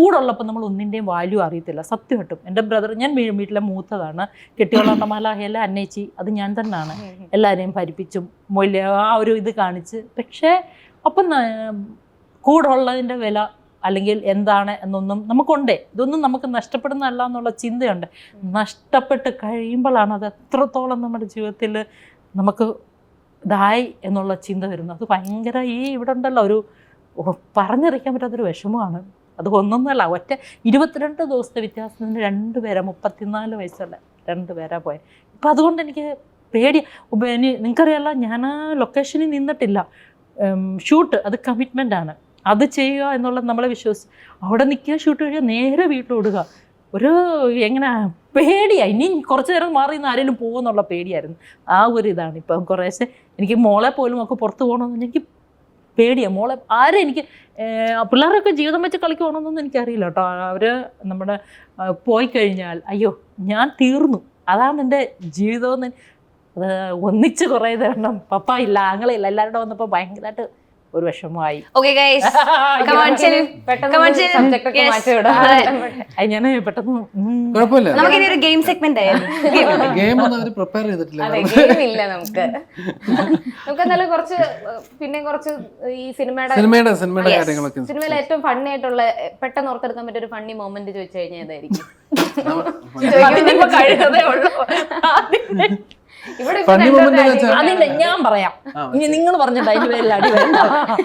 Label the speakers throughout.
Speaker 1: കൂടുള്ളപ്പോൾ നമ്മൾ ഒന്നിൻ്റെയും വാല്യൂ അറിയത്തില്ല. സത്യമായിട്ടും എൻ്റെ ബ്രദർ, ഞാൻ വീട്ടിലെ മൂത്തതാണ്, കെട്ടിയോളണ്ടമാല ഹേല അന്നേച്ചി, അത് ഞാൻ തന്നെയാണ് എല്ലാവരെയും ഭരിപ്പിച്ചും വലിയ ആ ഒരു ഇത് കാണിച്ച്. പക്ഷേ അപ്പം കൂടുള്ളതിൻ്റെ വില അല്ലെങ്കിൽ എന്താണ് എന്നൊന്നും നമുക്കുണ്ടേ. ഇതൊന്നും നമുക്ക് നഷ്ടപ്പെടുന്നതല്ല എന്നുള്ള ചിന്തയുണ്ട്. നഷ്ടപ്പെട്ട് കഴിയുമ്പോഴാണ് അത് എത്രത്തോളം നമ്മുടെ ജീവിതത്തിൽ നമുക്ക് ഇതായി എന്നുള്ള ചിന്ത വരുന്നത്. അത് ഭയങ്കര ഇവിടെ ഉണ്ടല്ലോ ഒരു പറഞ്ഞറിയിക്കാൻ പറ്റാത്തൊരു വിഷമമാണ്. അത് ഒന്നൊന്നുമല്ല, ഒറ്റ 22 ദിവസത്തെ വ്യത്യാസത്തിന് 2 പേരാ, 34 വയസ്സുള്ള 2 പേരാ പോയത്. ഇപ്പം അതുകൊണ്ട് എനിക്ക് പേടി. നിങ്ങൾക്കറിയാമല്ലോ, ഞാൻ ആ ലൊക്കേഷനിൽ നിന്നിട്ടില്ല. ഷൂട്ട് അത് കമ്മിറ്റ്മെൻ്റ് ആണ്. അത് ചെയ്യുക എന്നുള്ളത് നമ്മളെ വിശ്വസിച്ച് അവിടെ നിൽക്കുക, ഷൂട്ട് കഴിയുക, നേരെ വീട്ടിലോടുക. ഒരു എങ്ങനെ പേടിയായി. ഇനി കുറച്ച് നേരം മാറി നിന്ന് ആരെങ്കിലും പോകുമെന്നുള്ള പേടിയായിരുന്നു. ആ ഒരു ഇതാണ്. ഇപ്പം കുറേശ്ശെ എനിക്ക് മോളെ പോലും ഒക്കെ പുറത്ത് പോകണമെന്ന് എനിക്ക് പേടിയാണ്. മോളെ ആരും എനിക്ക് പിള്ളേരൊക്കെ ജീവിതം വെച്ച് കളിക്കുവാണെന്നൊന്നും എനിക്കറിയില്ല കേട്ടോ. അവർ നമ്മുടെ പോയി കഴിഞ്ഞാൽ അയ്യോ ഞാൻ തീർന്നു, അതാണ് എൻ്റെ ജീവിതമെന്ന്. അത് ഒന്നിച്ച് കുറേ തരണം. പപ്പ ഇല്ല, ആങ്ങളില്ല, എല്ലാവരുടെ വന്നപ്പോൾ ഭയങ്കരമായിട്ട് ഒരു വിഷമമായി. ഞാൻ പെട്ടെന്ന്
Speaker 2: നമുക്കൊരു ഗെയിം സെഗ്മെന്റ്
Speaker 3: നമുക്കെന്തായാലും കുറച്ച് ഈ സിനിമയിലെ ഏറ്റവും ഫണ്ണി ആയിട്ടുള്ള പെട്ടെന്ന് ഓർത്തെടുക്കാൻ പറ്റിയ ഒരു ഫണ്ണി മൊമെന്റ് ചോദിച്ചു കഴിഞ്ഞാൽ ഏതായിരിക്കും?
Speaker 1: അതില്ല, ഞാൻ പറയാം. ഇനി നിങ്ങൾ പറഞ്ഞിട്ട് അതിന്റെ പേരിൽ അടി വേണ്ട.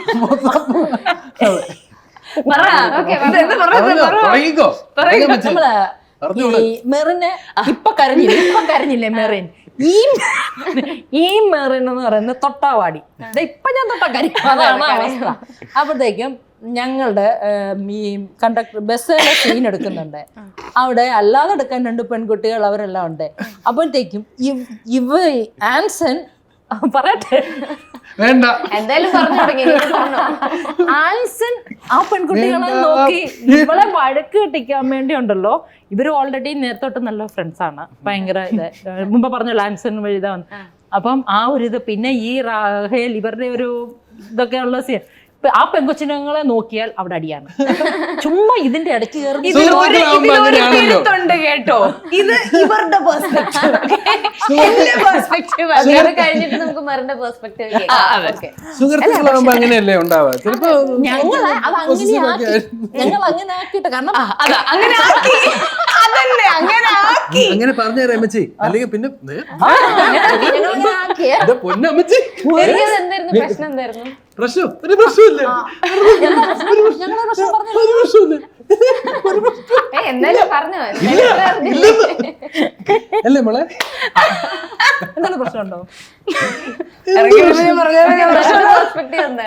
Speaker 1: നമ്മള് ഈ മെറിനെ ഇപ്പൊ കരഞ്ഞില്ലേ മെറിൻ, ഈ മെറിൻ എന്ന് പറയുന്നത് തൊട്ടാവാടി. ഇപ്പൊ ഞാൻ തൊട്ടാ കരിക്കും, അതാണ് അവസ്ഥ. അപ്പോഴത്തേക്കും ഞങ്ങളുടെ ഈ കണ്ടക്ടർ ബസ്സിലെ സീൻ എടുക്കുന്നുണ്ട്. അവിടെ അല്ലാതെ എടുക്കാൻ 2 പെൺകുട്ടികൾ അവരെല്ലാം ഉണ്ട്. അപ്പോഴത്തേക്കും ആൻസൺ പറയട്ടെ,
Speaker 3: എന്തായാലും
Speaker 1: ആൻസൺ ആ പെൺകുട്ടികളെ നോക്കി ഇവളെ വഴക്ക് കെട്ടിക്കാൻ വേണ്ടി ഉണ്ടല്ലോ. ഇവര് ഓൾറെഡി നേരത്തോട്ട് നല്ല ഫ്രണ്ട്സാണ്, ഭയങ്കര ഇത് മുമ്പ് പറഞ്ഞല്ലോ ആൻസൺ വഴിതാ വന്ന്. അപ്പം ആ ഒരു ഇത് പിന്നെ ഈ റാഹേൽ ഇവരുടെ ഒരു ഇതൊക്കെ ഉള്ള സീൻ. ആ പെൺകൊച്ചിനങ്ങളെ നോക്കിയാൽ അവിടെ അടിയാണ്. ചുമ്മാ ഇതിന്റെ ഇടയ്ക്ക് കയറി
Speaker 2: കേട്ടോ. ഇത് ഇവരുടെ
Speaker 3: കഴിഞ്ഞിട്ട് നമുക്ക് മറിന്റെ പെർസ്പെക്ടീവ്
Speaker 4: അങ്ങനെയല്ലേ ഉണ്ടാവുക. ചിലപ്പോ
Speaker 1: ഞങ്ങൾ അങ്ങനെ ആക്കിയിട്ട്, കാരണം
Speaker 4: അങ്ങനെ പറഞ്ഞു തരാം അമ്മച്ചി. അല്ലെങ്കിൽ പിന്നെ പൊന്നമ്മച്ചി
Speaker 3: പ്രശ്നം എന്തായിരുന്നു?
Speaker 4: പ്രശ്നം ഒരു പ്രശ്നമില്ല,
Speaker 3: എന്തായാലും പറഞ്ഞു
Speaker 4: അല്ലേ മോളെ?
Speaker 1: എന്താണ് പ്രശ്നമുണ്ടോ?
Speaker 3: പെർസ്പെക്ടീവ് എന്താ?